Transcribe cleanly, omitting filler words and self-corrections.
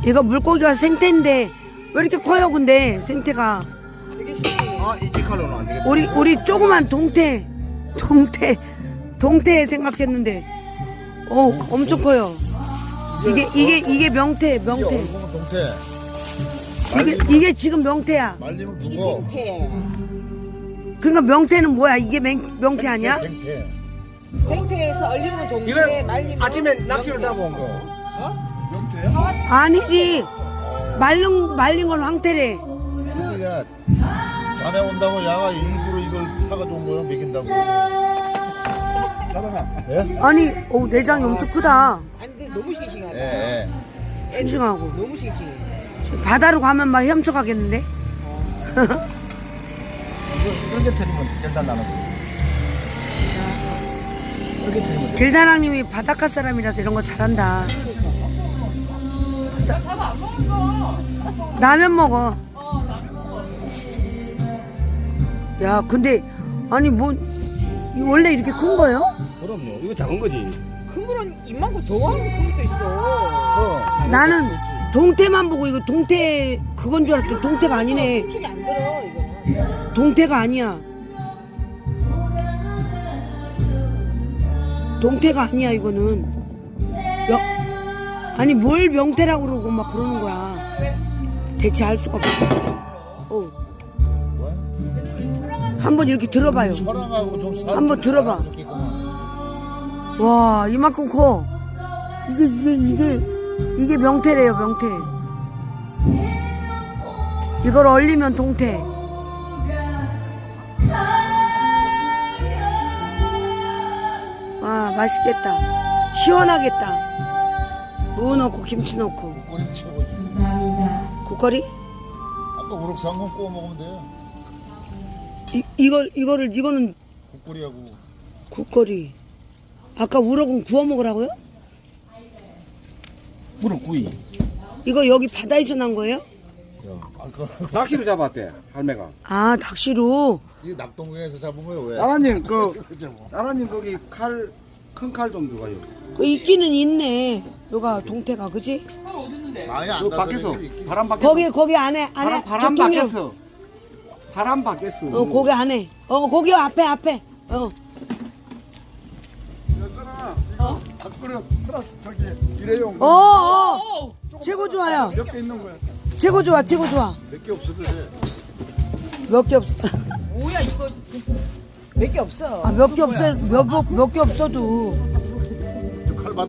이거 물고기가 생태인데 왜 이렇게 커요? 근데 생태가 되게 신기해. 아, 이 칼로는 안 되겠다. 우리 조그만 동태 생각했는데 엄청 커요. 이게 명태. 동태. 이게 지금 명태야. 말리면 이게 죽어. 생태. 그러니까 명태는 뭐야? 이게 명태 아니야? 생태. 생태에서 얼리면 동태, 이거는 말리면 아침에 낚시를 잡아온 거. 명태야? 아니지. 말린 건 황태래. 그러니까 자네 온다고 야가 일부러 이걸 사가지고 온 거야 먹인다고. 사랑아. 예? 아니, 내장이 엄청 크다. 아니 근데 너무 싱싱하다. 예. 싱싱하고. 너무 싱싱해. 바다로 가면 막 헤엄쳐 가겠는데? 이렇게 틀리면 절단 나는 거. 이렇게 틀리면 길다랑님이 바닷가 사람이라서 이런 거 잘한다. 라면 먹어. 야, 근데 아니 원래 이렇게 큰 거예요? 그럼요. 이거 작은 거지. 큰 거는 입만큼 더 하는 큰 것도 있어. 나는 동태만 보고 이거 동태 그건 줄 알았더니 동태가 아니네. 축이 안 들어 이거는. 동태가 아니야. 동태가 아니야 이거는. 아니 뭘 명태라고 그러고 막 그러는 거야. 대체 알 수가 없어. 한번 이렇게 들어봐요. 사랑하고 좀 사. 한번 들어봐. 와 이만큼 커. 이게 명태래요 명태. 이걸 얼리면 동태. 와 맛있겠다. 시원하겠다. 무 넣고 김치 넣고. 국거리 최고지. 국거리? 아까 우럭상건 구워 먹으면 돼요. 이거는 국거리하고. 국거리. 아까 우럭은 구워 먹으라고요? 무릎구이. 이거 여기 바다에서 난 거예요? 낚시로 잡았대 할매가. 아 낚시로. 이게 낙동강에서 잡은 거예요 왜? 나라님 그죠 뭐. 나라님 거기 큰 칼 좀 줘가요. 그 있기는 있네. 요가 동태가 그지? 많이 안 그 나서 밖에서 이렇게 바람 밖에서. 거기 안에 바람 저 통영. 밖에서. 바람 밖에서. 거기 안에. 거기 앞에. 밥그릇 플러스 저기 일회용 최고 좋아요. 몇 개 있는 거야. 최고 좋아. 몇 개 없어도 돼. 몇 개 없어. 뭐야 이거 몇 개 없어. 몇 개 없어도